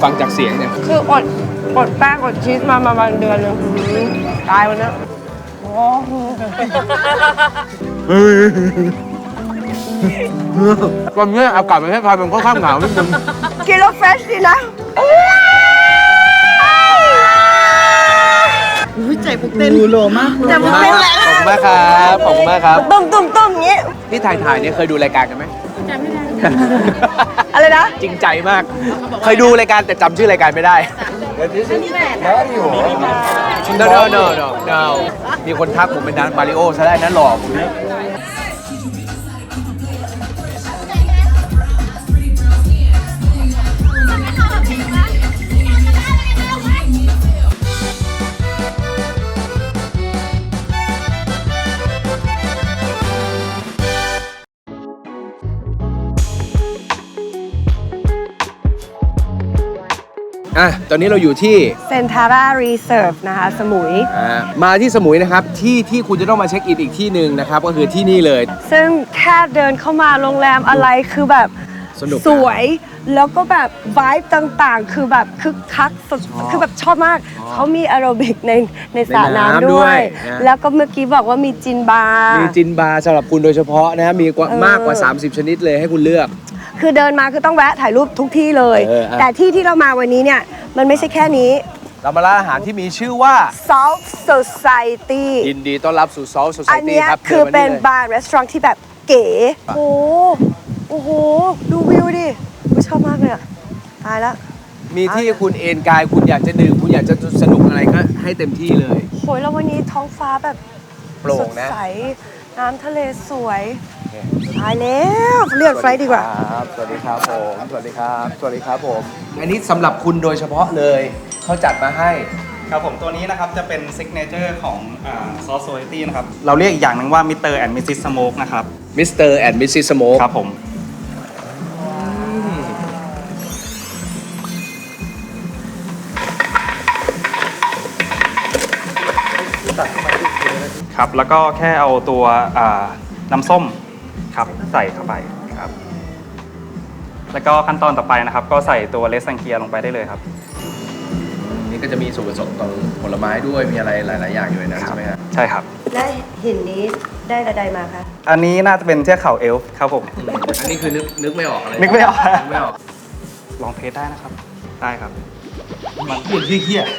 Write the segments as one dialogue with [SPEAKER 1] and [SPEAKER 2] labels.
[SPEAKER 1] ฟังจากเสียงเนี่ย
[SPEAKER 2] คืออดแป้งอดชีสมาประมาณเดือนนึงตายวันนี้
[SPEAKER 1] ตอนนี้อากาศประเทศไทยมันค่อนข้างหนาวนิดนึง
[SPEAKER 2] กินแล้วเฟรชดีนะใจผมเต้นโลมากแต่ผมเต้นแหละ
[SPEAKER 1] ขอบคุณมากครับขอบคุณมากครับ
[SPEAKER 2] ตุ้มอย่างงี้
[SPEAKER 1] ที่ถ่ายเนี่ยเคยดูรายการกันไหมจำไม่ได้
[SPEAKER 2] อะไรนะ
[SPEAKER 1] จริงใจมาก เคยดูรายการแต่จำชื่อรายการไม่ได้ no มีคนทักผมเป็นนักมาริโอซะได้นะหลอกผมนะตอนนี้เราอยู่ที่
[SPEAKER 2] เซนทาร่ารีเซิร์ฟนะคะสมุย
[SPEAKER 1] มาที่สมุยนะครับที่คุณจะต้องมาเช็คอินอีกที่หนึ่งนะครับก็คือที่นี่เลย
[SPEAKER 2] ซึ่งแค่เดินเข้ามาโรงแรมอะไรคือแบบ
[SPEAKER 1] สนุกนะ
[SPEAKER 2] สวยแล้วก็แบบไวบ์ต่างๆ คือแบบคึกคักสุดคือแบบชอบมาก เขามีแอโรบิกในสระน้ำด้วย แล้วก็เมื่อกี้บอกว่ามีจินบาร์
[SPEAKER 1] มีจินบาร์สำหรับคุณโดยเฉพาะนะมีมากกว่า 30 ชนิดเลยให้คุณเลือก
[SPEAKER 2] คือเดินมาคือต้องแวะถ่ายรูปทุกที่เลย แต่ที่เรามาวันนี้เนี่ยมันไม่ใช่แค่นี้
[SPEAKER 1] เรามาร้านอาหารที่มีชื่อว่า
[SPEAKER 2] Salt Society
[SPEAKER 1] ยินดีต้อนรับสู่ Salt
[SPEAKER 2] อัน
[SPEAKER 1] Society
[SPEAKER 2] เนี้ย
[SPEAKER 1] ครับ
[SPEAKER 2] คือเป็น
[SPEAKER 1] ดิมา
[SPEAKER 2] บาร์รีสอร์ทที่แบบเก๋โอ้โหดูวิวดิชอบมากเลยอะตายแล้ว
[SPEAKER 1] มีที่คุณเอนกายคุณอยากจะดื่มคุณอยากจะสนุกอะไรก็ให้เต็มที่เลย
[SPEAKER 2] โหยแล้ววันนี้ท้องฟ้าแบบ
[SPEAKER 1] โปร่ง
[SPEAKER 2] สด
[SPEAKER 1] นะ
[SPEAKER 2] ใสน้ำทะเลสวยตายแล้วเลือกไฟล์ดีกว่า
[SPEAKER 1] สวัสดีครับผมสวัสดีครับสวัสดีครับผมอันนี้สำหรับคุณโดยเฉพาะเลยเขาจัดมาให้
[SPEAKER 3] ครับผมตัวนี้นะครับจะเป็นซิกเนเจอร์ของซอสโซลิตี้นะครับเราเรียกอีกอย่างหนึ่งว่ามิสเตอร์แอนด์มิสซิสสโมกนะครับ
[SPEAKER 1] Mr. and Mrs. Smoke
[SPEAKER 3] ครับผมครับแล้วก็แค่เอาตัวน้ำส้มครับใส่เข้าไปครับแล้วก็ขั้นตอนต่อไปนะครับก็ใส่ตัวเลสซังเกียลงไปได้เลยครับ
[SPEAKER 1] นี่ก็จะมีส่วนผสมของผลไม้ด้วยมีอะไรหลาย ๆ อย่างอยู่ในนั้นใช่ไหมครับ
[SPEAKER 3] ใช่ครับ
[SPEAKER 2] และหินนี้ได้ระไดมาคะ
[SPEAKER 3] อันนี้น่าจะเป็นเทือกเขาเอลฟ์ครับผม
[SPEAKER 1] อันนี้คือนึกไม่ออกอะไร
[SPEAKER 3] นึกไม่ออก
[SPEAKER 1] นึกไม่ออก
[SPEAKER 3] ลองเทสได้นะครับได้ครับ
[SPEAKER 1] มันเปลี่ยนที่เที่ย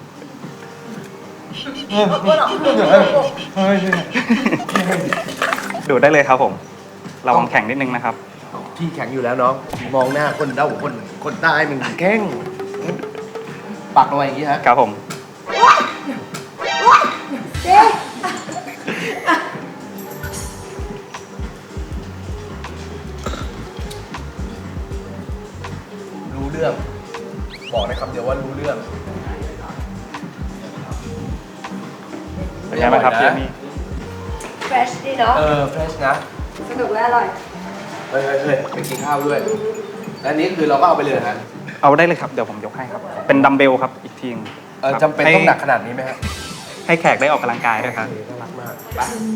[SPEAKER 3] ดูได้เลยครับผมระวังแข็งนิดนึงนะครับ
[SPEAKER 1] พี่แข็งอยู่แล้วน้องมองหน้าคนเด้าคนใต้มันแข็งปักลงไปอย่างนี้ฮะ
[SPEAKER 3] ครับผม
[SPEAKER 1] รู้เรื่องบอกในคำเดียวว่ารู้เรื่อง
[SPEAKER 3] เป็นไงบ้างครับพี่มี่
[SPEAKER 2] เฟรชดีเนาะ
[SPEAKER 1] เฟรชนะ
[SPEAKER 2] สนุกและอร่อย
[SPEAKER 1] เฮ้ยไปกินข้าวด้วยและอันนี้คือเราก็เอาไปเลยนะฮะ
[SPEAKER 3] เอาได้เลยครับเดี๋ยวผมยกให้ครับ เป็นดัมเบลครับอีกทีนึงครับ
[SPEAKER 1] จำเป็นต้องหนักขนาดนี้ไหมฮะ
[SPEAKER 3] ให้แขกได้ออกกำลังกายด้วยครับ
[SPEAKER 1] น่ารักมากไป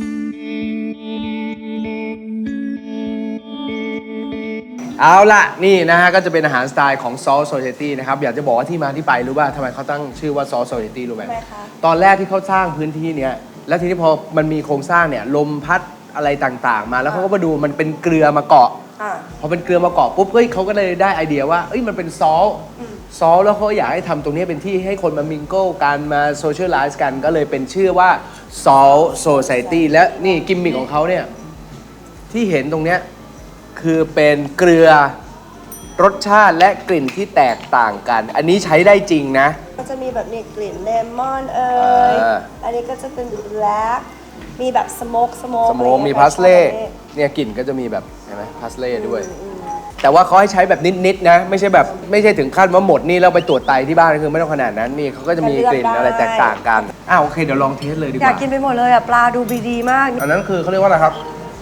[SPEAKER 1] เอาล่ะนี่นะฮะก็จะเป็นอาหารสไตล์ของ Salt Society นะครับอยากจะบอกว่าที่มาที่ไปรู้ป่ะทำไมเขาตั้งชื่อว่า Salt Society รู้ไหม
[SPEAKER 2] ทำไมคะ
[SPEAKER 1] ตอนแรกที่เขาสร้างพื้นที่เนี้ยแล้วทีนี้พอมันมีโครงสร้างเนี่ยลมพัดอะไรต่างๆ มาแล้วเขาก็มาดูมันเป็นเกลือมาเกาะ พอเป็นเกลือมาเกาะปุ๊บเฮ้ยเขาก็เลยได้ไอเดียว่าเอ้ยมันเป็นซอลแล้วเขาอยากให้ทำตรงนี้เป็นที่ให้คนมามิงเกิลกันมาโซเชียลไลซ์กันก็เลยเป็นชื่อว่า Salt Society และนี่กิมมิคของเขาเนี่ยที่เห็นตรงเนี้ยคือเป็นเกลือรสชาติและกลิ่นที่แตกต่างกัน อันนี้ใช้ได้จริงนะ
[SPEAKER 2] ก็จะมีแบบนี้กลิ่นเลมอนอันนี้ก็จะเป็นแบล็คมีแบบสโมก
[SPEAKER 1] มีพาสเล่เนี่ยกลิ่นก็จะมีแบบเห็นไหมพาสเล่ด้วย แต่ว่าเขาให้ใช้แบบนิดๆนะไม่ใช่ถึงขั้นว่าหมดนี่เราไปตรวจไตที่บ้านคือไม่ต้องขนาดนั้นนี่เขาก็จะมีกลิ่นอะไรแตกต่างกันโอเคเดี๋ยวลองเทสเลยดีกว่า
[SPEAKER 2] อยากกินไปหมดเลยอ่ะปลาดูดีมาก
[SPEAKER 1] อันนั้นคือเขาเรียกว่าอะไรครับ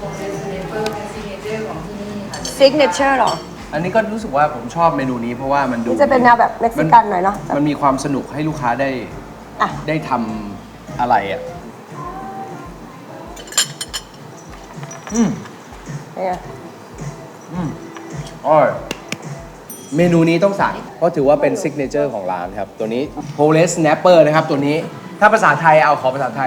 [SPEAKER 2] ซิกเนเจอร์หรอ
[SPEAKER 1] อันนี้ก็รู้สึกว่าผมชอบเมนูนี้เพราะว่ามันดู
[SPEAKER 2] นี่จะเป็นแนวแบบเม็กซิกันหน่อยเนาะ
[SPEAKER 1] มันมีความสนุกให้ลูกค้าได้ทำอะไรอ่ะ
[SPEAKER 2] เนี่ย
[SPEAKER 1] อร่อยเมนูนี้ต้องสั่งเพราะถือว่าเป็นซิกเนเจอร์ของร้านครับ ตัวนี้โพเลสแนปเปอร์นะครับตัวนี้ถ้าภาษาไทยเอาขอภาษาไทย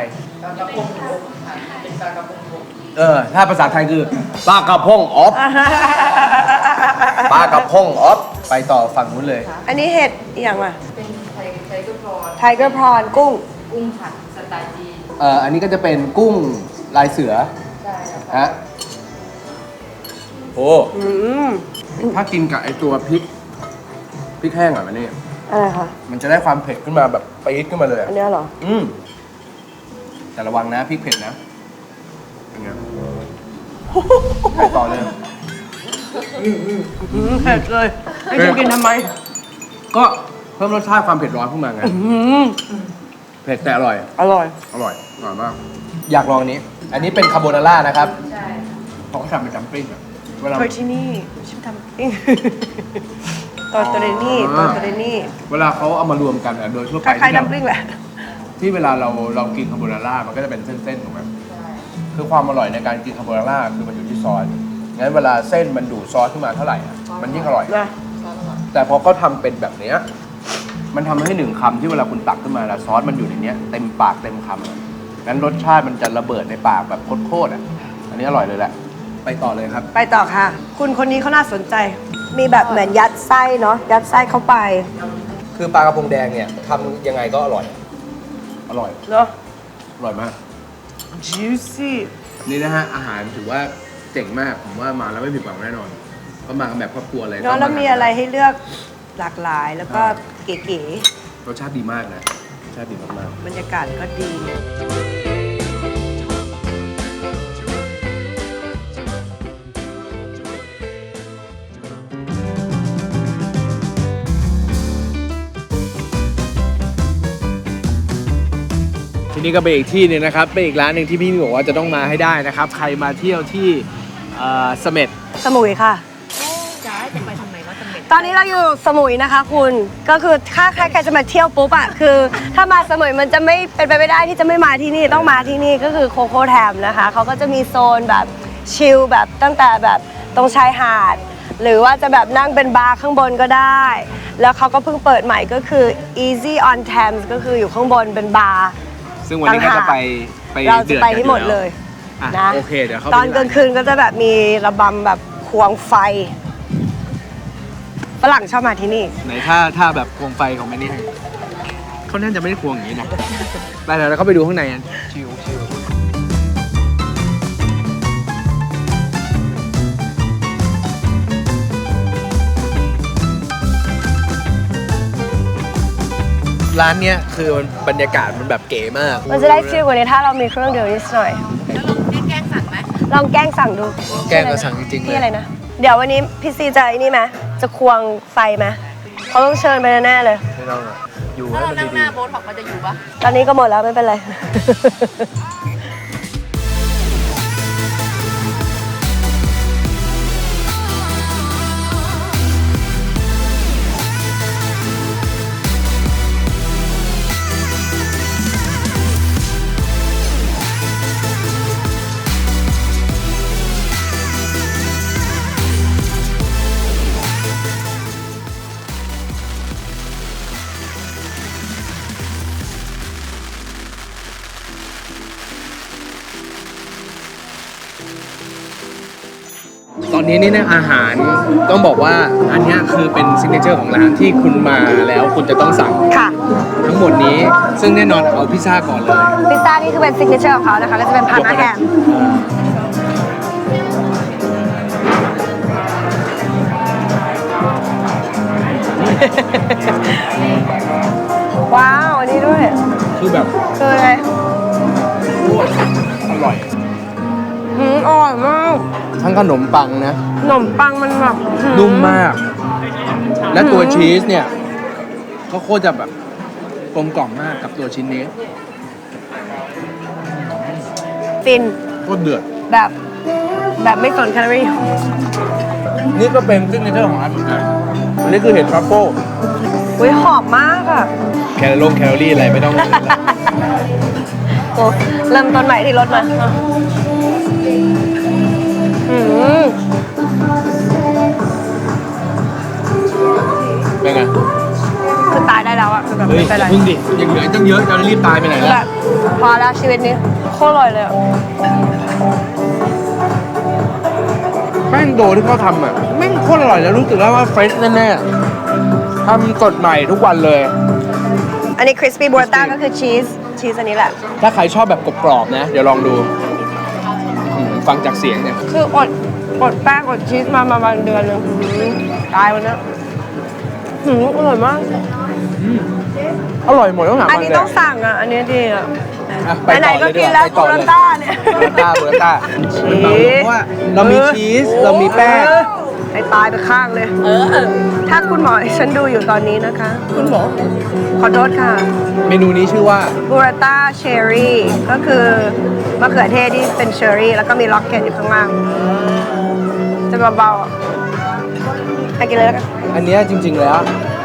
[SPEAKER 1] ถ้าภาษาไทยคือปลากระพงออฟปลากระพงออฟไปต่อฝั่งนู้นเลย
[SPEAKER 2] อันนี้เห็ดอหย่างอ่ะ
[SPEAKER 4] เป็นไทเกอร์พรอน
[SPEAKER 2] ไทเกอร์พรอนกุ้ง
[SPEAKER 4] กุ้งผัดสไตล์จีน
[SPEAKER 1] อันนี้ก็จะเป็นกุ้งลายเสือ
[SPEAKER 4] ใช่ครับ
[SPEAKER 1] ฮะโอ้
[SPEAKER 2] อืม
[SPEAKER 1] ถ้ากินกับไอตัวพริกแห้งอ่ะมันนี่
[SPEAKER 2] อะไรคะ
[SPEAKER 1] มันจะได้ความเผ็ดขึ้นมาแบบปี๊ดขึ้นมาเลยอะ
[SPEAKER 2] อันเนี้ยเหรอ
[SPEAKER 1] แต่ระวังนะพริกเผ็ดนะเป็นไงไปต่อเลย
[SPEAKER 2] เผ็ดเลยให้ฉันกินทำไม
[SPEAKER 1] ก็เพิ่มรสชาติความเผ็ดร้อนขึ้นมาไงเผ็ดแต่อร่อย
[SPEAKER 2] อร่อย
[SPEAKER 1] อร่อยมาก อยากลองอันนี้ อันนี้เป็นคาโบนาร่านะครับ
[SPEAKER 4] ใช่
[SPEAKER 1] เขาก็ทำเป็นจัมปิ้งอะเวลา
[SPEAKER 2] เคยที่นี่ฉันทำเองตอนตัวเรนี่ตอนตัวเรนี่
[SPEAKER 1] เวลาเขาเอามารวมกันอะโดยทั่ว
[SPEAKER 2] ค
[SPEAKER 1] ไป
[SPEAKER 2] ล้ายๆดัมปลิ้งแหละ
[SPEAKER 1] ที่เวลาเรากินคาโบนาร่ามันก็จะเป็นเส้นๆถูกไหมคือความอร่อยในการกินคาโบนาร่าคือมันอยู่ที่ซอสงั้นเวลาเส้นมันดูดซอสขึ้นมาเท่าไหร่อะมันยิ่งอร่อย
[SPEAKER 2] นะ
[SPEAKER 1] แต่พอเขาทำเป็นแบบเนี้ยมันทำให้หนึ่งคำที่เวลาคุณตักขึ้นมาแล้วซอสมันอยู่ในเนี้ยเต็มปากเต็มคำอะงั้นรสชาติมันจะระเบิดในปากแบบโคตรๆอ่ะอันนี้อร่อยเลยแหละไปต่อเลยครับ
[SPEAKER 2] ไปต่อค่ะ คุณคนนี้เขาน่าสนใจ มีแบบเหมือนยัดไส้เนาะ ยัดไส้เข้าไป
[SPEAKER 1] คือปลากระพงแดงเนี่ยทำยังไงก็อร่อย อร่อย
[SPEAKER 2] เนาะ
[SPEAKER 1] อร่อยมาก
[SPEAKER 2] juicy
[SPEAKER 1] นี่นะฮะอาหารถือว่าเจ๋งมากผมว่ามาแล้วไม่ผิดหวังแน่นอนก็มากันแบบครอบครัวเลย
[SPEAKER 2] เนาะแล้วมีอะไรให้เลือกหลากหลายแล้วก็เก๋
[SPEAKER 1] รสชาติดีมากนะรสชาติดีมาก
[SPEAKER 2] ๆ บรรยากาศก็ดี
[SPEAKER 1] ๆที่นี่ก็เป็นอีกที่หนึงนะครับเป็นอีกร้านหนึ่งที่พี่บอกว่าจะต้องมาให้ได้นะครับ ใครมาเที่ยวที่เสม็ด
[SPEAKER 2] สมุยค่ะ
[SPEAKER 4] จะให้จะไปทำไมว่าจะเป็น
[SPEAKER 2] ตอนนี้เราอยู่สมุยนะคะคุณก็คือถ้าใครจะมาเที่ยวปุ๊บอะคือ ถ้ามาสมุยมันจะไม่เป็นไปไม่ได้ที่จะไม่มาที่นี่ต้องมาที่นี่ก็คือโคโค่แทมนะคะเขาก็จะมีโซนแบบชิลแบบตั้งแต่แบบตรงชายหาด หรือว่าจะแบบนั่งเป็นบาร์ข้างบนก็ได้ แล้วเขาก็เพิ่งเปิดใหม่ก็คือ Easy on Thames ก็คืออยู่ข้างบนเป็นบาร์
[SPEAKER 1] ซึ่งวันนี้ก็จะไป
[SPEAKER 2] เราจะไป
[SPEAKER 1] ดือ
[SPEAKER 2] ที่หมดเลย
[SPEAKER 1] อ่ะ
[SPEAKER 2] นะ
[SPEAKER 1] โอเคเดี๋ยวเข้าไป
[SPEAKER 2] ตอนกลางคืนก็จะแบบมีระบำแบบควงไฟฝรั่งชอบมาที่นี่
[SPEAKER 1] ไหนถ้าแบบควงไฟของแมนนี่เขาน่าจะไม่ได้ควงอย่างนี้นะไปเดี๋ยวเราเข้าไปดูข้างในกันชิวร้านเนี้ยคือบรรยากาศมันแบบเก๋มาก
[SPEAKER 2] มันจะได้ฟิลกว่านี้ถ้าเรามีเครื่องดื่มนิดหน่อย
[SPEAKER 4] แล้วลองแกล้งสั่งไหม
[SPEAKER 2] ลองแกล้งสั่งดู
[SPEAKER 1] แกล้งก็สั่งจริงๆเลย
[SPEAKER 2] พี่อะไรนะ เดี๋ยววันนี้พี่ซีจะไอ้นี่ไหมจะควงไฟไหมเขาต้องเชิญไปแน่ๆเลย
[SPEAKER 1] ไม่ต้องอะอยู่
[SPEAKER 4] ถ้า
[SPEAKER 1] ให้
[SPEAKER 4] เรา
[SPEAKER 1] มัน
[SPEAKER 4] นั่งห
[SPEAKER 1] ดี
[SPEAKER 4] น้าโบ๊ทบอกมันจะอยู่ปะ
[SPEAKER 2] ตอนนี้ก็หมดแล้วไม่เป็นไร
[SPEAKER 1] ตอนนี้นี่นะอาหารต้องบอกว่าอันเนี้ยคือเป็นซิกเนเจอร์ของร้านที่คุณมาแล้วคุณจะต้องสั่ง
[SPEAKER 2] ค่ะ
[SPEAKER 1] ทั้งหมดนี้ซึ่งแน่นอนเอาพิซซ่าก่อนเลย
[SPEAKER 2] พิซซ่านี่คือเป็นซิกเนเจอร์ของเขานะคะ ก็จะเป็นพานาแฮมว้าว อันนี้ด้วย
[SPEAKER 1] คือแบบ
[SPEAKER 2] คืออะไร
[SPEAKER 1] โคตรอร่อย
[SPEAKER 2] อร่อยมาก
[SPEAKER 1] ทั้งขนมปังนะ
[SPEAKER 2] ขนมปังมันแบบ
[SPEAKER 1] นุ่มมาก และตัวชีสเนี่ย ก็โคตรจะแบบกลมกล่อมมากกับตัวชิ้นนี้
[SPEAKER 2] ฟิน
[SPEAKER 1] โคตรเดือด
[SPEAKER 2] แบบไม่สนแคลอรี่
[SPEAKER 1] นี่ก็เป็นซิกเนเจอร์ของร้านเหมือนกันอันนี้คือเห็ดทรัฟเฟิล
[SPEAKER 2] อุ้ยหอมมากอ่ะ
[SPEAKER 1] แคลอรี่อะไรไม่ต้อง
[SPEAKER 2] โอ้เริ่มต้นใหม่ที่รถมา
[SPEAKER 1] เป็นไง
[SPEAKER 2] คือตายได้แล้วอะคือแบบ
[SPEAKER 1] เฮ้ย
[SPEAKER 2] ไม่เป็นไร
[SPEAKER 1] พึ่งดิยังเหลือตั้งเยอะจะรีบตายไปไหน
[SPEAKER 2] คือ
[SPEAKER 1] ล่ะ
[SPEAKER 2] แบบพอแล้วชีวิตนี้โคตรอร่อยเลยอะ
[SPEAKER 1] แป้งโดที่เขาทำอ่ะแม่งโคตรอร่อยแล้วรู้สึกแล้วว่าเฟรชแน่ๆทำสดใหม่ทุกวันเลย
[SPEAKER 2] อันนี้คริสปี้บูราต้าก็คือชีสอันนี้แหละ
[SPEAKER 1] ถ้าใครชอบแบบกรอบๆนะ เดี๋ยวลองดูฟังจากเสียงเนี่ย
[SPEAKER 2] คืออดแป้งอดชีสมาประมาณเดือนหนึงตายวันนี้อร่อยมาก
[SPEAKER 1] อร่อยหมดต้องหา
[SPEAKER 2] อัน
[SPEAKER 1] มัน
[SPEAKER 2] นี้
[SPEAKER 1] เลย
[SPEAKER 2] ต้องสั่งอ่ะ อันนี้ดีอ่ะ
[SPEAKER 1] อ่ะไป
[SPEAKER 2] ไหน
[SPEAKER 1] ต่อ
[SPEAKER 2] ๆ
[SPEAKER 1] เล
[SPEAKER 2] ก็
[SPEAKER 1] ยดี
[SPEAKER 2] กิน
[SPEAKER 1] ก
[SPEAKER 2] แล้ว
[SPEAKER 1] ว่าไป
[SPEAKER 2] บู
[SPEAKER 1] ต่อ
[SPEAKER 2] รา
[SPEAKER 1] เลย
[SPEAKER 2] ต้าเนี่ย
[SPEAKER 1] บูราต้าเพราะว่าเรามีชีสเรามีแป้ง
[SPEAKER 2] ให้ตายไปข้างเลย ถ้าคุณหมอฉันดูอยู่ตอนนี้นะคะ คุณหมอ ขอโทษค่ะ
[SPEAKER 1] เมนูนี้ชื่อว่า
[SPEAKER 2] บูราต้าเชอร์รี่ก็คือมะเขือเทศที่เป็นเชอร์รี่แล้วก็มีล็อกเก็ตอยู่ข้างล่าง จะเบาๆอ่ะไปกินเลยแล้วกัน
[SPEAKER 1] อันเนี้ยจริง ๆ แล้ว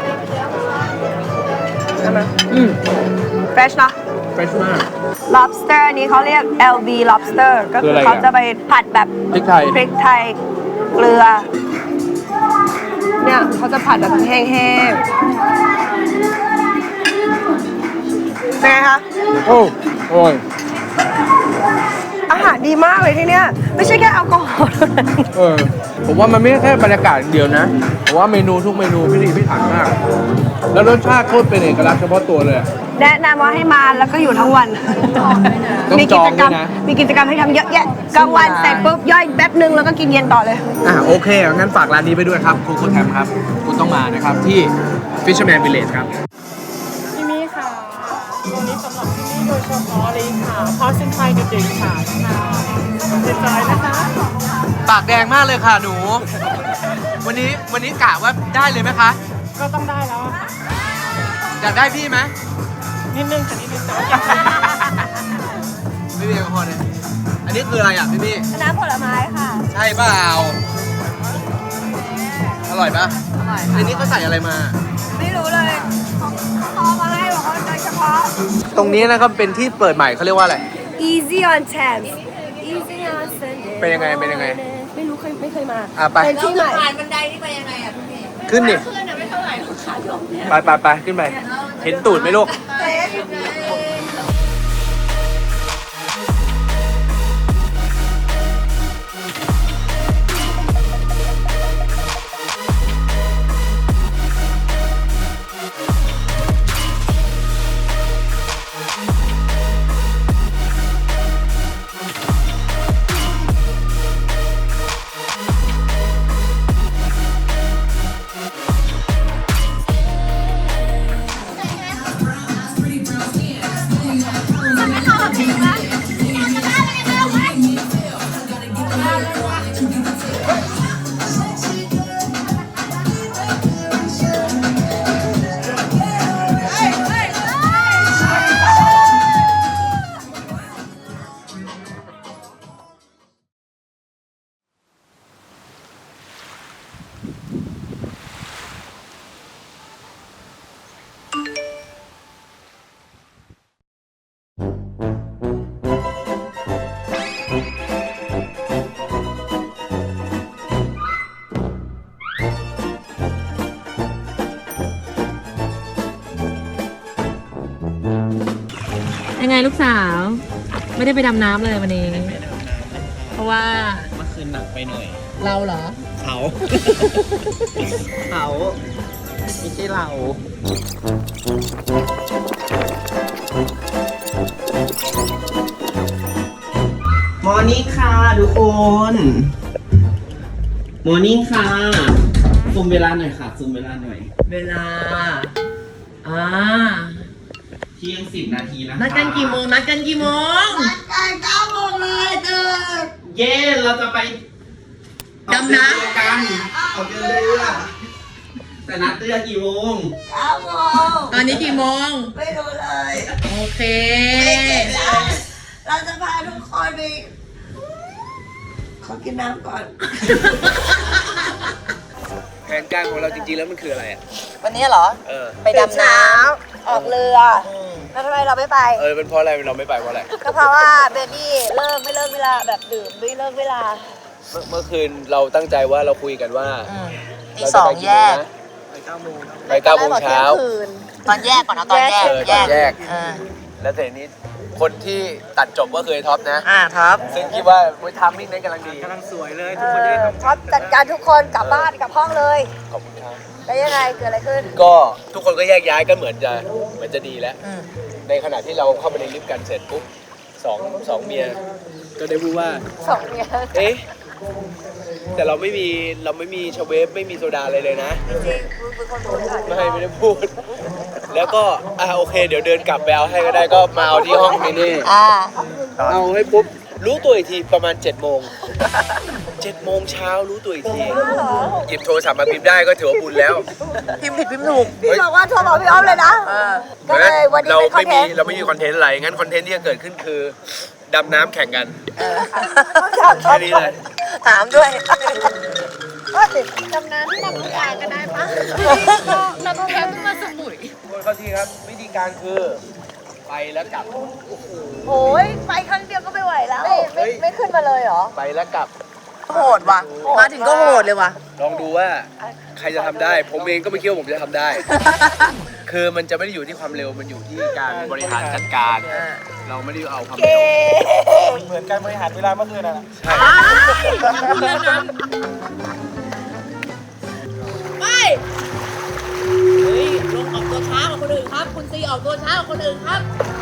[SPEAKER 2] ได้ไหมเฟรชเนาะ
[SPEAKER 1] เฟรชมาก
[SPEAKER 2] lobster อันนี้เขาเรียก LB lobster ก็
[SPEAKER 1] คือ
[SPEAKER 2] คือ
[SPEAKER 1] อะไรอ่ะ
[SPEAKER 2] เขาจะไปผัดแบบ
[SPEAKER 1] พริกไทย
[SPEAKER 2] พริกไทยเกลือ เนี่ยเขาจะผัดแบบแห้งๆเป็นไงคะ
[SPEAKER 1] โอ้โอ้ย
[SPEAKER 2] อาหารดีมากเลยที่เนี้ยไม่ใช่แค่แอลกอฮอล์เท่านั้น
[SPEAKER 1] ผมว่ามันไม่ใช่แค่บรรยากาศอย่างเดียวนะผมว่าเมนูทุกเมนูพิถีพิถันมาก แล้วรสชาติโคตรเป็นเอกลักษณ์เฉพาะตัวเลยอะ
[SPEAKER 2] แนะนำว่าให้มาแล้วก็อยู่ทั้งวัน
[SPEAKER 1] ต้อง
[SPEAKER 2] มี
[SPEAKER 1] จ
[SPEAKER 2] กิ
[SPEAKER 1] อง
[SPEAKER 2] จกรรม
[SPEAKER 1] ด้วยนะ
[SPEAKER 2] มีกิจกรรมให้ทำเยอะแยะกลางวันเสร็จปุ๊บย่อยแป๊บนึงแล้วก็กินเย็นต่อเลย
[SPEAKER 1] โอเคงั้นฝากร้านนี้ไปด้วยครับคูคูแทมครับ คุณต้องมานะครับที่ Fisherman Village ครับ
[SPEAKER 5] ที่นี่ค่ะตัวนี้สำหรับที่นี่โดยเฉพาะเลยค่ะเพราะเส้นไทยกับเด็กค่ะเด็ดใจนะคะ
[SPEAKER 1] ปากแดงมากเลยค่ะหนู วันนี้กะว่าได้เลยไหมคะ
[SPEAKER 5] ก็ต้องได้แล้วอะค่ะ
[SPEAKER 1] อยากได้พี่ไหม
[SPEAKER 5] นิดนึงค่ะนิดนึงแต่ว่าอยาก
[SPEAKER 1] ไม่มีแอลกอฮอล์เลยอันนี้คืออะไรอ่ะพี่พี่
[SPEAKER 2] น้ำผลไม้ค่ะ
[SPEAKER 1] ใช่เปล่าอร่อยปะ
[SPEAKER 2] อร่อย
[SPEAKER 1] อันนี้เขาใส่อะไรมา
[SPEAKER 2] ไม่รู้เลยพอมาให้บอกว่าโดยเฉพาะ
[SPEAKER 1] ตรงนี้นะครับเป็นที่เปิดใหม่เขาเรียกว่าอะไร
[SPEAKER 2] Easy on Thames Easy on Sunday
[SPEAKER 1] เป็นยังไงเป็นยังไง
[SPEAKER 2] ไม่รู้ไม่เคยมา
[SPEAKER 1] ไป
[SPEAKER 2] เป็นที่ใหม่
[SPEAKER 4] ผ่านบันไดนี่ไปยังไงอ่ะพี่
[SPEAKER 1] ขึ้นดิ
[SPEAKER 4] ขึ้นอ่ะไม่เท่าไหร่หรอกขาลงเนี่ย
[SPEAKER 1] ไปขึ้นไป เห็นตูดไหมลูก
[SPEAKER 4] ยังไงลูกสาว ไม่ได้ไปดำน้ำเลยวันนี้ เพราะว่า
[SPEAKER 1] เมื่อคืนหนักไปหน่อย
[SPEAKER 4] เราเหรอ
[SPEAKER 1] เขา เขาไม่ใช่เรา
[SPEAKER 6] มอร์นิ่งค่ะทุกคนมอร์นิ่งค่ะซูมเวลาหน่อยค่ะซูมเวลาหน่อย
[SPEAKER 4] เวลา
[SPEAKER 6] เที่ยง10 นาทีนะคะ
[SPEAKER 4] นัดกันกี่โมง นัดกันกี่โมง
[SPEAKER 6] เย้เราจะไป
[SPEAKER 4] ดำน้ำ
[SPEAKER 6] ออกเรือกันออกเรือแต่นัดเรือกี่โมง
[SPEAKER 4] ตอนนี้กี่โมง
[SPEAKER 2] ไม่รู้เลย
[SPEAKER 4] โอเค
[SPEAKER 2] เราจะพาทุกคนไปขอกินน้ำก่อน
[SPEAKER 1] แผนการของเราจริงๆแล้วมันคืออะไรอ่ะ
[SPEAKER 2] วันนี้เหรอ ไปดำน้ำออกเรืออแล้วทำไมเราไม่ไป
[SPEAKER 1] เป็นเพราะอะไรเราไม่ไปเพราะอะไร
[SPEAKER 2] ก็เพราะว่าเบบี้ไม่เลิกเวลาแบบดื่มไม่เลิกเวลา
[SPEAKER 1] เมื่อคืนเราตั้งใจว่าเราคุยกันว่า
[SPEAKER 2] ตี
[SPEAKER 1] เรา
[SPEAKER 2] ส
[SPEAKER 1] จะ
[SPEAKER 2] อง
[SPEAKER 1] ไป
[SPEAKER 2] แยก
[SPEAKER 1] นะไป9 โมงเช้า
[SPEAKER 7] ตอนแยกก่อนเอาตอนแยก
[SPEAKER 1] แยก
[SPEAKER 7] เออ
[SPEAKER 1] แล้วแต่นี้คนที่ตัดจบก็คือไอ้ท็อปนะ
[SPEAKER 7] ท็อป
[SPEAKER 1] ซึ่งคิดว่าทามมิ่งนั้นกำลังดี
[SPEAKER 2] ท็อปจัดการทุกคนกลับบ้านกลับห้องเลย
[SPEAKER 1] ขอบคุณครับ
[SPEAKER 2] แล้วยังไงเกิดอะไรขึ้น
[SPEAKER 1] ก็ทุกคนก็แยกย้ายกันเหมือนจะดีแล้ว ในขณะที่เราเข้าไปในลิฟต์กันเสร็จปุ๊บสองเมียก็ได้พูดว่า
[SPEAKER 2] สองเมีย
[SPEAKER 1] เอ๊ะแต่เราไม่มีชาเวฟไม่มีโซดาอะไรเลยนะ
[SPEAKER 2] จริงๆคุณเป็นคนพูดก่อน
[SPEAKER 1] ไม่ได้พูด แล้วก็โอเค เดี๋ยวเดินกลับไปเอาให้ก็ได้ก็มาเอาที่ห้องนี่ เอาให้ปุ๊บรู้ตัวอีกทีประมาณ7 โมง7 โมงเช้ารู้ตัวอีกทีหยิบโทรศัพท์มาพิมพ์ได้ก็ถือว่าบุญแล้ว
[SPEAKER 7] พิมพ์ผิดพิมพ์ถูก
[SPEAKER 2] พี่บอกว่าโทรบอกพี่ออฟเลยนะก็เลยวันนี้
[SPEAKER 1] เรา
[SPEAKER 2] เป็นคอน
[SPEAKER 1] ไม่
[SPEAKER 2] เท
[SPEAKER 1] มี
[SPEAKER 2] นต์
[SPEAKER 1] เราไม่มีคอนเทนต์อะไรงั้นคอนเทนต์ที่จะเกิดขึ้นคือดำน้ำแข่งกัน
[SPEAKER 2] ถาม
[SPEAKER 1] แค่นี้เลย
[SPEAKER 7] ถามด้วย
[SPEAKER 5] ดำน้ำที่ลำลูกกาก็ได้ปะเราต้องแคมป์มาสมุย
[SPEAKER 1] คนเข้าที่ครับวิธีการคือไปแล้วกลับ
[SPEAKER 2] โอ้ยไปครั้งเดียวก็ไม่ไหวแล้ว ไม่ขึ้นมาเลยเหรอ
[SPEAKER 1] ไปแล้วกลับ
[SPEAKER 7] โหดว่ะ มาถึงก็โหดเลยว่ะ
[SPEAKER 1] ลองดูว่าใครจะทำได้ ผมเองก็ไม่คิดว่าผมจะทำได้ คือมันจะไม่ได้อยู่ที่ความเร็วมันอยู่ที่การบริหารจัดการ เราไม่ได้เอาความเร็ว
[SPEAKER 6] เหมือนการบริหารเวลาเมื่อคืนน่ะ
[SPEAKER 1] ใช่
[SPEAKER 4] ลงออกตัวช้ากว่าคนอื่นครับ คุณซีออกตัวช้ากว่าคนอื่นครับ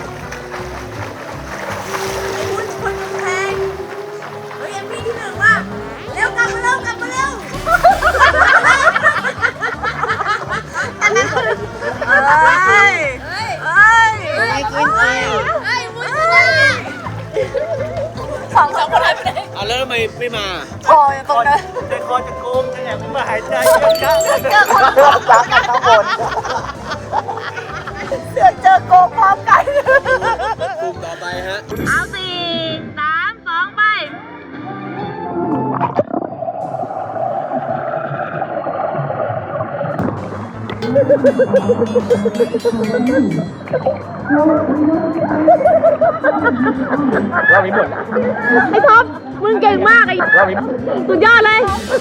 [SPEAKER 2] คุณคนแพงเฮ้ยเอ็มมี่ที่หนึ่งว่ะเร็วกลับมาเร็วกลับมาเร็วอันนั้นคือเฮ้ยไม่กินเองเฮ้ยมุ้ยสองคนหายไปไหน
[SPEAKER 1] แล้วทำไมไม่มา
[SPEAKER 2] คออยู่ตรงนั้น
[SPEAKER 6] ใจคอจะโกงจะแอบขึ้นมาหายใจเยอะจัง
[SPEAKER 2] เจอคนรักกันข้างบนเจอโกงพร้อมกัน
[SPEAKER 1] กลุ่มต่อไปฮะ
[SPEAKER 4] เอา4 3 2 ไป
[SPEAKER 1] รอบนี้หมด
[SPEAKER 4] ไอ้ท็อป มึงเก่งมาก ไอ้
[SPEAKER 1] รอบนี้
[SPEAKER 4] สุดยอดเลย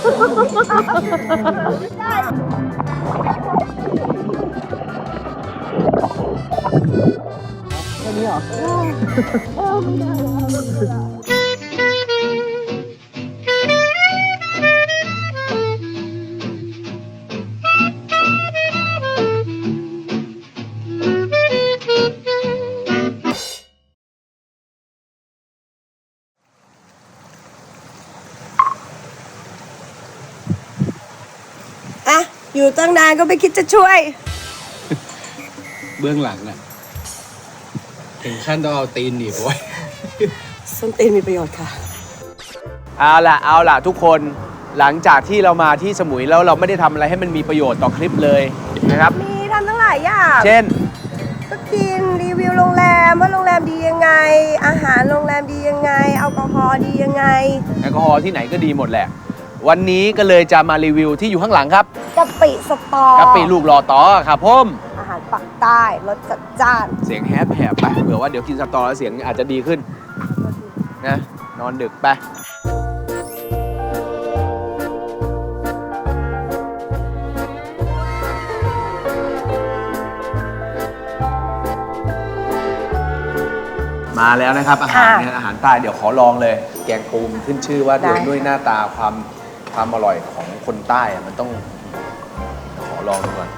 [SPEAKER 2] อ่ะ อยู่ตั้งนานก็ไม่คิดจะช่วย
[SPEAKER 1] เบื้องหลังน่ะถึงขั้นต้องเอาตีนหนีบไว้
[SPEAKER 2] ส้นตีนมีประโยชน์ค่ะ
[SPEAKER 1] เอาล่ะทุกคนหลังจากที่เรามาที่สมุยแล้วเราไม่ได้ทำอะไรให้มันมีประโยชน์ต่อคลิปเลยนะครับ
[SPEAKER 2] มีทำทั้งหลายอย่าง
[SPEAKER 1] เช่น
[SPEAKER 2] ก็กินรีวิวโรงแรมว่าโรงแรมดียังไง อาหารโรงแรมดียังไงแอลกอฮอล์ดียังไง
[SPEAKER 1] แอลกอฮอล์ที่ไหนก็ดีหมดแหละ วันนี้ก็เลยจะมารีวิวที่อยู่ข้างหลังครับ
[SPEAKER 2] กะปิสตอ
[SPEAKER 1] กะปิลูกหล่อต่อครับผม
[SPEAKER 2] อาหารปักใต้รสจัดจ้าน
[SPEAKER 1] เสียงแหบไปเผื่อว่าเดี๋ยวกินสตอแล้วเสียงอาจจะดีขึ้นนะนอนดึกไปมาแล้วนะครับอาหารเนี่ยอาหารใต้เดี๋ยวขอลองเลย แกงปูมขึ้นชื่อว่าด้วยหน้าตาความอร่อยของคนใต้อะมันต้องขอลองดูก่อน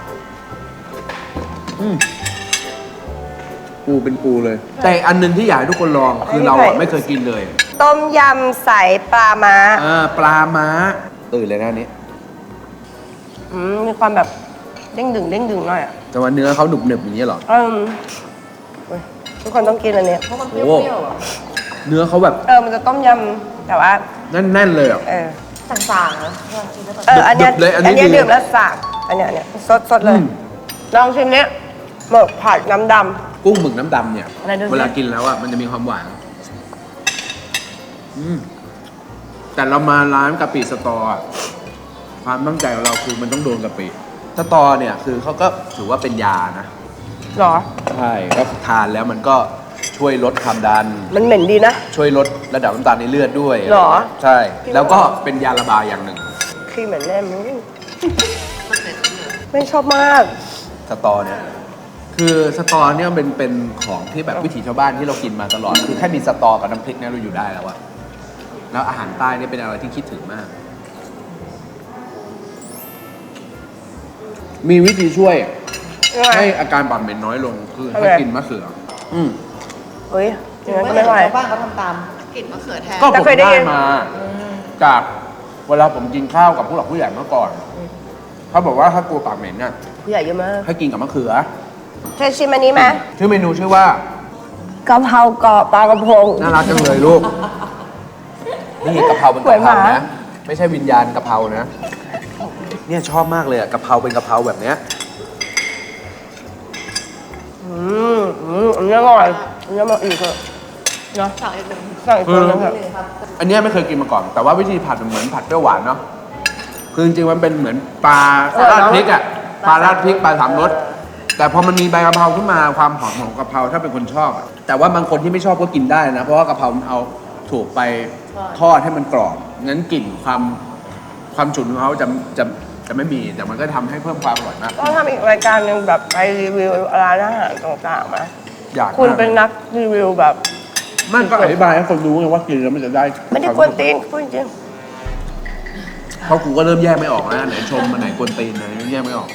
[SPEAKER 1] ปูเป็นปูเลย แต่อันหนึงที่อยากให้ทุกคนลองคือเราอะไม่เคยกินเลย
[SPEAKER 2] ต้มยำใส่ปลาม้า
[SPEAKER 1] ปลาม้าตื่นเลยนะอันนี้
[SPEAKER 2] มีความแบบเด้งดึงหน่อยอ่ะ
[SPEAKER 1] แต่ว่าเนื้อเขาหนุบหนึบอย่างนี้ยเหรอ
[SPEAKER 2] ทุกคนต้องกินอันนี้
[SPEAKER 1] โอ้เนื้อเขาแบบ
[SPEAKER 2] มันจะต้มยำแต่ว่า
[SPEAKER 1] แน่นๆเลยอ่ะ
[SPEAKER 2] ต่างๆนะอันเนี้ย
[SPEAKER 1] ดึบๆเลยอันนี้
[SPEAKER 2] เนี้ย
[SPEAKER 1] ดี
[SPEAKER 2] ดื่มแล้วสากอันเนี้ยสดเลย ลองชิมเนี้ยหมึกผัดน้ำดำ
[SPEAKER 1] กุ้งหมึกน้ำดำเนี่ย
[SPEAKER 2] อะไรดูสิ
[SPEAKER 1] เวลากินแล้วอ่ะมันจะมีความหวานแต่เรามาร้านกะปิสตออะความตั้งใจของเราคือมันต้องโดนกะปิสตอเนี่ยคือเขาก็ถือว่าเป็นยานะ
[SPEAKER 2] หรอ
[SPEAKER 1] ใช่ก็ทานแล้วมันก็ช่วยลดความดัน
[SPEAKER 2] มันเหม็นดีนะ
[SPEAKER 1] ช่วยลดระดับน้ำตาลในเลือดด้วย
[SPEAKER 2] หรอ
[SPEAKER 1] ใช่ แล้วก็เป็นยาระบายอย่างหนึ่ง
[SPEAKER 2] คือเหมือนแน่มึงไม่ชอบมาก
[SPEAKER 1] สตอเนี่ยคือสตอเนี่ยเป็นของที่แบบวิถีชาวบ้านที่เรากินมาตลอดคือแค่มีสตอกับน้ำพริกเนี่ยเราอยู่ได้แล้วอะแล้วอาหารใต้เนี่ยเป็นอะไรที่คิดถึงมาก มีวิธีช่วย
[SPEAKER 2] ยังไง
[SPEAKER 1] ให้อาการปากเหม็นน้อยลงคือ
[SPEAKER 2] ทำไง
[SPEAKER 1] ให้กินมะเขือ
[SPEAKER 2] เฮ้ยอย่างนั้นก็ไม่ไหว
[SPEAKER 7] บ้านเขาทำตามกลิ่นมะเขือแทน
[SPEAKER 1] ก็
[SPEAKER 2] แต่
[SPEAKER 1] ผม
[SPEAKER 2] เคยได้
[SPEAKER 1] ได้
[SPEAKER 2] ยิน
[SPEAKER 1] มา จากเวลาผมกินข้าวกับผู้หลักผู้ใหญ่เมื่อก่อนเขาบอกว่าถ้ากลัวปากเหม็นน่ะ
[SPEAKER 2] ผู้ใหญ่เยอะมาก
[SPEAKER 1] ให้กินกับมะเขือ
[SPEAKER 2] เธอชิมอันนี้ไหม
[SPEAKER 1] ชื่อเมนูชื่อว่าก
[SPEAKER 2] ะเพรากรอบปลากระพง
[SPEAKER 1] น่ารักจังเลยลูก นี่กะเพราเป็น
[SPEAKER 2] สวย
[SPEAKER 1] กะ
[SPEAKER 2] ห
[SPEAKER 1] เพรา
[SPEAKER 2] มา
[SPEAKER 1] นะ ไม่ใช่วิญญาณกะเพรานะ เนี่ยชอบมากเลยอะกะเพราเป็นกะเพราแบบเนี้ย
[SPEAKER 2] อันนี้อร่อยอันนี้มาอีกเถอะเนาะสั่งอีกคนนึงเถอะ
[SPEAKER 1] อันเนี้ยไม่เคยกินมาก่อน แต่ว่าวิธีผัดมันเหมือนผัดเปรี้ยวหวานเนาะ คือจริงๆมันเป็นเหมือนปลาราดพริกอะปลาราดพริกปลาสามรส แต่พอมันมีใบกะเพราขึ้นมาความหอมของกะเพราถ้าเป็นคนชอบอะแต่ว่าบางคนที่ไม่ชอบก็กินได้นะ เพราะว่ากะเพรามันเอาถูกไปทอดให้มันกรอบงั้นกลิ่นความฉุนของเขาจะไม่มี แต่มันก็ทำให้เพิ่มความอร่อยมาก
[SPEAKER 2] ก็ทำอีกรายการหนึ่งแบบไปรีวิวร้านอาหารต่างๆมา
[SPEAKER 1] อยาก
[SPEAKER 2] คุณเป็นนักรีวิวแบบ
[SPEAKER 1] มันก็อธิบายให้คนรู้ไงว่ากินแล้วมันจะได้
[SPEAKER 2] ไม่ได้กวนตีนพูดจริง
[SPEAKER 1] เพราะกูก็เริ่มแยกไม่ออกแล้วไหนชมมาไหนกวนตีนไหนแยกไม่ออก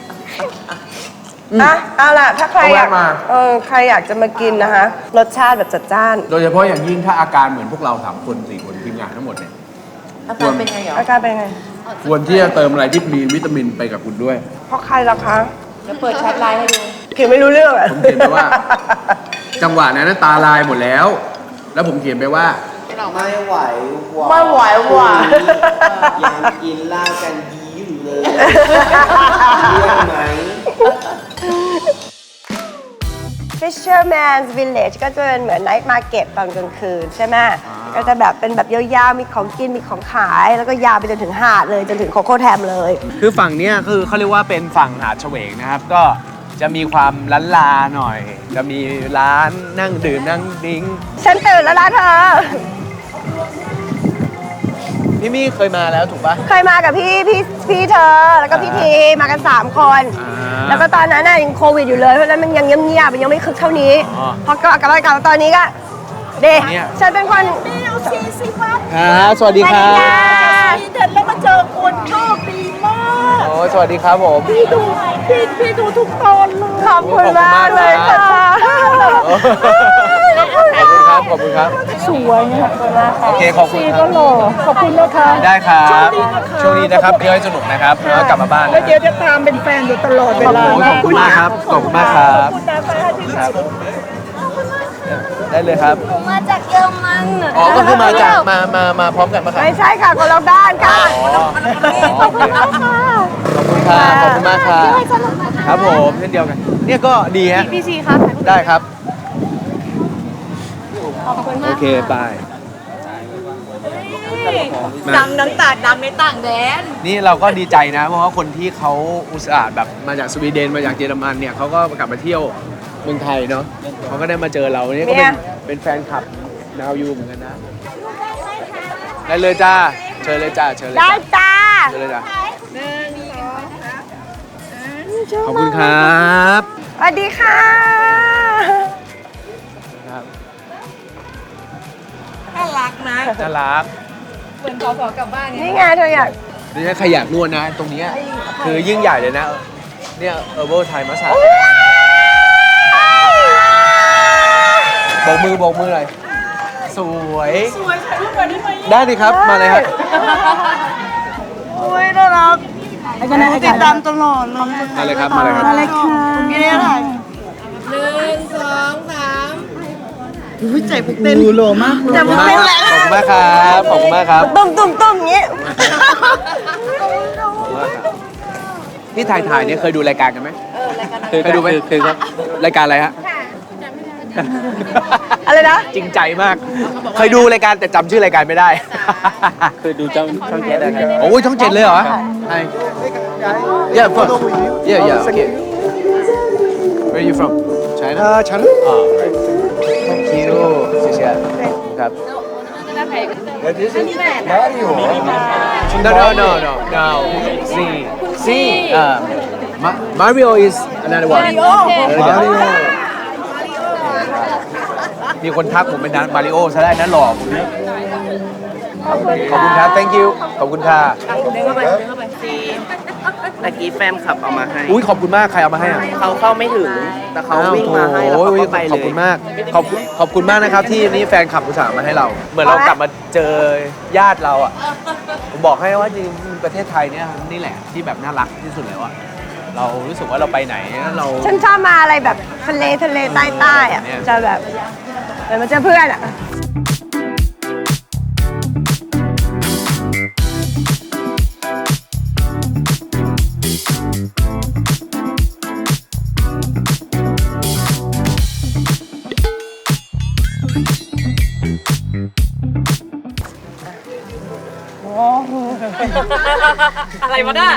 [SPEAKER 2] อ่ะเอาล่ะถ้าใครอยาก
[SPEAKER 1] เอาแวะมา
[SPEAKER 2] ใครอยากจะมากินนะคะ รสชาติแบบจัดจ้าน
[SPEAKER 1] โดยเฉพาะอย่างยิ่งถ้าอาการเหมือนพวกเรา3 คน4 คนทีมงานทั้งหมดเนี่ย
[SPEAKER 7] อาการเป็นไงเหรอ
[SPEAKER 2] อาการเป็นไง
[SPEAKER 1] ควรที่จะเติมอะไรที่มีวิตามินไปกับคุณด้วย
[SPEAKER 2] เพราะใครล่ะคะ
[SPEAKER 7] จะเปิดแชทไลน์ให้ดู
[SPEAKER 2] เขียนไม่รู้เรื่องอ่ะ
[SPEAKER 1] ผมเขียนไปว่า จังหวะนั้นตาลายหมดแล้ว แล้วผมเขียนไปว่า
[SPEAKER 6] ไม่ไหวว่ะ
[SPEAKER 2] ไม่ไหวว่ะ
[SPEAKER 6] ยังกินเหล้ากันยีอยู่เลยเรื่องไหม
[SPEAKER 2] Fisherman's Village ก็จะเป็นเหมือน Night Market ตอนกลางคืนใช่ไหมก็จะแบบเป็นแบบยาวๆ มีของกิน มีของขาย แล้วก็ยาวไปจนถึงหาดเลย จนถึงโคโค่แทมเลย
[SPEAKER 1] คือฝั่งเนี้ยคือเขาเรียกว่าเป็นฝั่งหาดเฉวงนะครับ ก็จะมีความล้านลาหน่อย จะมีร้านนั่งดื่มนั่งดิ้ง
[SPEAKER 2] ฉันตื่นแล้วล่ะเธอ
[SPEAKER 1] พี่มี่เคยมาแล้วถูกปะ
[SPEAKER 2] เคยมากับพี่เธอ แล้วก็พี่ทีมากัน 3 คน
[SPEAKER 1] อ่า
[SPEAKER 2] แล้วก็ตอนนั้นน่ะยังโควิดอยู่เลย เพราะฉะนั้นมันยังเงียบๆมันยังไม่คึกเท่านี้
[SPEAKER 1] อ๋อ
[SPEAKER 2] พอก็กลับมาตอนนี้ก็เด็ก
[SPEAKER 1] เนี่ย
[SPEAKER 2] ฉันเป็นคน
[SPEAKER 1] ครับสวัสดีครับ
[SPEAKER 5] เดินแล้วมาเจอคนโชคดีมาก
[SPEAKER 1] โอ้สวัสดีครับผม
[SPEAKER 5] พี่ดูทุกตอนเลย
[SPEAKER 2] ขอบคุณมากเลยค่ะ
[SPEAKER 1] ขอบคุณครับ ขอบคุณครับ
[SPEAKER 5] สวยเนี่ย
[SPEAKER 1] โอเค ขอบคุณค
[SPEAKER 5] ก็
[SPEAKER 1] รับ
[SPEAKER 5] หล่อขอบคุณนะคะ
[SPEAKER 1] ได้ครับ
[SPEAKER 5] โช
[SPEAKER 1] ช่ว
[SPEAKER 5] ค
[SPEAKER 1] ง
[SPEAKER 5] ดี
[SPEAKER 1] นี้
[SPEAKER 5] นะคะ
[SPEAKER 1] นะครับเที่ยวให้สนุกนะครับ แล้วกลับมาบ้าน
[SPEAKER 5] แล้
[SPEAKER 1] นะ
[SPEAKER 5] วเดี๋ยวจะตามเป็นแฟนอยู่ตลอดเวลา
[SPEAKER 1] ขอบคุณมากครับ ขอบคุณมากครับ
[SPEAKER 5] ขอบคุณนะคะที่
[SPEAKER 1] ครับ ได้เลยครับ
[SPEAKER 2] มาจากเยอรมัน
[SPEAKER 1] อ๋อ ก็คือมาจากมาพร้อมกันปะครับ
[SPEAKER 2] ไม่ใช่ค่ะคนละบ้านค่ะ
[SPEAKER 1] ขอบคุณมากค่ะ ขอบคุณครับ ขอบคุณมากครับครับผมเช่นเดียวกัน เนี่ยก็ดีฮะ
[SPEAKER 2] พี่ซีคะ
[SPEAKER 1] ได้ครับ โอเคบาย
[SPEAKER 7] ดังน้ำตาดังในต่างแดน
[SPEAKER 1] นี่เราก็ดีใจนะ เพราะว่าคนที่เขาอุตส่าห์แบบมาจากสวีเดนมาจากเยอรมันเนี่ยเขาก็กลับมาเที่ยวเมืองไทยเนาะเขาก็ได้มาเจอเราเนี่ยก็เป็นแฟนคลับนาวยูเหมือนกันนะได้เลยจ้าเชิญเลยจ้าเชิญเลย
[SPEAKER 2] ได้
[SPEAKER 1] จ้า
[SPEAKER 2] จ้า
[SPEAKER 1] เชิญเลยจ้าขอบคุณครับ
[SPEAKER 2] สวัสดีค่ะ
[SPEAKER 1] ครับ
[SPEAKER 7] น่ารักนะ
[SPEAKER 1] น่ารัก
[SPEAKER 7] เหมือนขอกลับบ้านเนี่ย
[SPEAKER 2] นี่ไงเธออยาก
[SPEAKER 1] นี่ถ้าใครอยากนวดนะ ตรงเนี้ยคือยิ่งใหญ่เลยนะ เนี่ยHerbal Thai Massage โบกมือเลยสวย
[SPEAKER 5] สวยถ่ายรูปกันได้ไหม
[SPEAKER 1] ได้ดิครับ มาเลยครับ
[SPEAKER 2] อุ้ยน่ารัก
[SPEAKER 5] ติดตามตลอดเลย
[SPEAKER 1] มาเลยครับ มาเลยครับ
[SPEAKER 5] อะไรค่ะมีอะไรถ่าย
[SPEAKER 1] ขอบคุณมากครับ ขอบคุณมากครับ ขอบคุณมากครับ
[SPEAKER 2] ตุ้มอย่างนี้
[SPEAKER 1] นี่ถ่ายเนี่ยเคยดูรายการกันไหมเคยดูไหมเคยครับ รายการอะไรฮะ
[SPEAKER 2] อะไรนะ
[SPEAKER 1] จริงใจมาก เคยดูรายการแต่จำชื่อรายการไม่ได้
[SPEAKER 3] เคยดูช่อง7ได้ครับ
[SPEAKER 1] โอ้ยช่อง 7เลยเหรอใช่ Yeah of course Yeah okay Where are you from China China Oh right Thank you 谢谢ครับ No Mario is another one Mario มีคนทักผมเป็นมาริโอซะได้นะหล่อผมเนี่ยขอบคุณครับ thank you ขอบคุณค่ะ
[SPEAKER 6] ตะกี้แฟนขับเอามาให้
[SPEAKER 1] อุ้ยขอบคุณมากใครเอามาให้อ่ะ
[SPEAKER 6] เขาเข้าไม่ถึง แต่เขาวิ่งมาให้แล้วเขาก็ไปเลย
[SPEAKER 1] ขอบคุณมากขอบคุณมากนะครับที่นี่แฟนคลับอุตส่าห์มาให้เรา เหมือนเรากลับมาเจอญาติเราอ่ะผมบอกให้ว่าจริงๆประเทศไทยเนี่ยนี่แหละที่แบบน่ารักที่สุดแล้วอ่ะเรารู้สึกว่าเราไปไหนเรา
[SPEAKER 2] ฉันชอบมาอะไรแบบทะเลใต้ๆอ่ะ
[SPEAKER 1] เนี่ย
[SPEAKER 2] จะแบบเหมือนมาเจอเพื่อนอ่ะ
[SPEAKER 7] อะไรวะน่ะ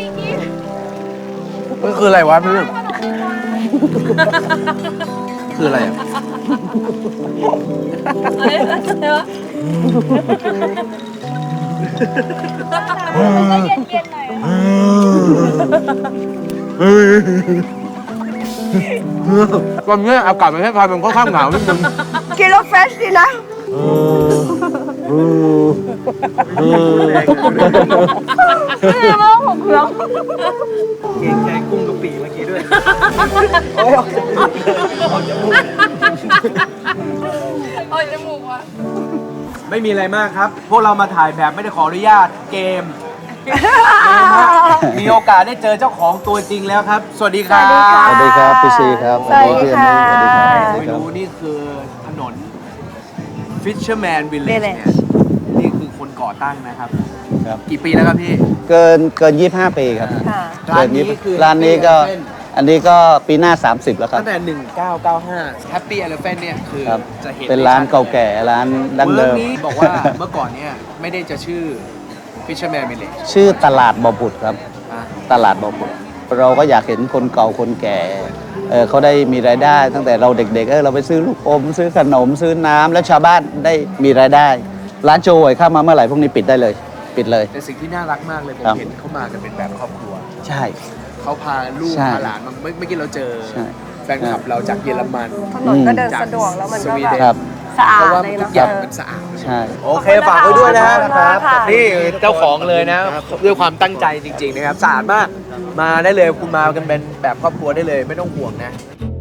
[SPEAKER 1] มันคืออะไรวะพี่คืออะไรอ่ะ ตอนนี้อากาศประเทศไทยมันค่อนข้างหนาวนิดนึง
[SPEAKER 2] กินแล้วเฟรชดีนะไม่รู้ว่าผมเครื่อง
[SPEAKER 6] เก่งใจกุ้งกะปิเมื่อกี้ด้วย
[SPEAKER 7] โอ้ยจมูกว่ะ
[SPEAKER 1] ไม่มีอะไรมากครับ พวกเรามาถ่ายแบบไม่ได้ขออนุญาตเกม มีโอกาสได้เจอเจ้าของตัวจริงแล้วครับ สวัสดีครับ
[SPEAKER 2] สวัสดีครับพี่ซีครับสวัสดีค่ะ
[SPEAKER 1] ไม่รู้นี่คือถนน Fisherman Village เนี่ยนี่คือคนก่อตั้งนะครับ
[SPEAKER 8] ครับ
[SPEAKER 1] กี่ปีแล้วครับพี่
[SPEAKER 8] เกิน 25 ปีครับ
[SPEAKER 2] ค่ะ
[SPEAKER 1] ร้านนี้คือ
[SPEAKER 8] ร้านนี้ก็
[SPEAKER 1] Happy Elephant
[SPEAKER 8] อันนี้ก็ปีหน้า 30 แล้วครับ
[SPEAKER 1] ตั้งแต่ 1995 Happy Elephant เนี่ยคือ
[SPEAKER 8] ครับ
[SPEAKER 1] จะเห็น
[SPEAKER 8] เป็นร้านเก่าแก่ร้านดั้งเดิม
[SPEAKER 1] เมืองนี้บอกว่าเมื่อก่อนเนี่ยไม่ได้จะชื่อ Fisherman Village
[SPEAKER 8] ชื่อตลาดบ่อผุดครับ
[SPEAKER 1] อ่ะ
[SPEAKER 8] ตลาดบ่อผุดเราก็อยากเห็นคนเก่าคนแก่เขาได้มีรายได้ ตั้งแต่เราเด็กๆเราไปซื้อลูกอม ซื้อขนมซื้อน้ำแล้วชาวบ้านได้มีรายได้ ร้านโจยเข้ามาเมื่อไหร่พวกนี้ปิดได้เลย ปิดเลย
[SPEAKER 1] แต่สิ่งที่น่ารักมากเลยผม
[SPEAKER 8] ครับ
[SPEAKER 1] เห็นเขามากันเป็นแบบครอบครัว
[SPEAKER 8] ใช่
[SPEAKER 1] เขาพาลูก
[SPEAKER 8] ใช่
[SPEAKER 1] พาหลานมาเมื่อกี้เราเจอ
[SPEAKER 8] ใช่
[SPEAKER 1] แฟนคลับเราจากเยอรมัน
[SPEAKER 2] ถนนก็เดินสะดวกแล้วมันก็
[SPEAKER 1] สวี
[SPEAKER 2] แบ
[SPEAKER 1] เด
[SPEAKER 2] บ
[SPEAKER 8] ครับ
[SPEAKER 2] สะอา
[SPEAKER 1] เพ
[SPEAKER 2] ด
[SPEAKER 1] ราะว่า
[SPEAKER 2] เลย
[SPEAKER 1] ทุ
[SPEAKER 2] เนาะ
[SPEAKER 1] กอย่างมันสะอาด
[SPEAKER 8] ใช่
[SPEAKER 1] โอเคฝากไว้ด้วยนะ
[SPEAKER 2] ขอบคุณมากค่ะ
[SPEAKER 1] นี่เจ้าของเลยนะ ด้วยความตั้งใจจริง ๆ นะครับสะอาดมากมาได้เลยคุณมากันเป็นแบบครอบครัวได้เลยไม่ต้องห่วงนะ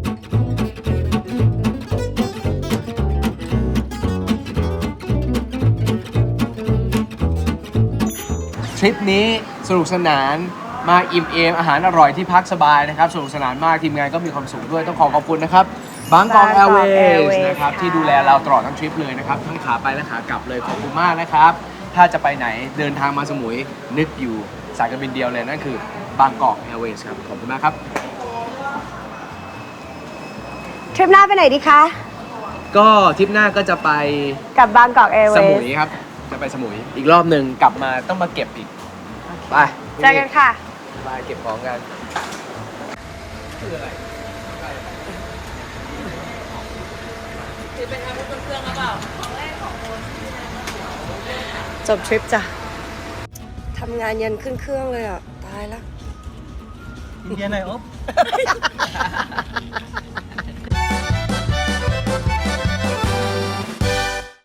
[SPEAKER 1] ทริปนี้สนุกสนานมาอิ่มเอมอาหารอร่อยที่พักสบายนะครับสนุกสนานมากทีมงานก็มีความสุขด้วยต้องขอบคุณนะครับบางกอกแอร์เวย์นะครับที่ดูแลเราตลอดทั้งทริปเลยนะครับทั้งขาไปและขากลับเลยขอบคุณมากนะครับ ถ้าจะไปไหนเดินทางมาสมุยนึกอยู่สายการบินเดียวเลยนั่นคือบางกอกแอร์เวย์ครับขอบคุณมากครับ
[SPEAKER 2] ทริปหน้าไปไหนดีคะ
[SPEAKER 1] ก็ทริปหน้าก็จะไป
[SPEAKER 2] กับบางกอกแอร์เว
[SPEAKER 1] ส
[SPEAKER 2] ย์
[SPEAKER 1] มุยครับจะไปสมุยอีกรอบหนึ่งกลับมาต้องมาเก็บอีกไป
[SPEAKER 2] เจอกันค่ะ
[SPEAKER 1] ไปเก็บของกันคืออะไร
[SPEAKER 2] จบทริปจ้ะ ทำงานยันขึ้นเครื่องเลยอ่ะ ตายแล้ว
[SPEAKER 6] เย็นไหนอ๊บ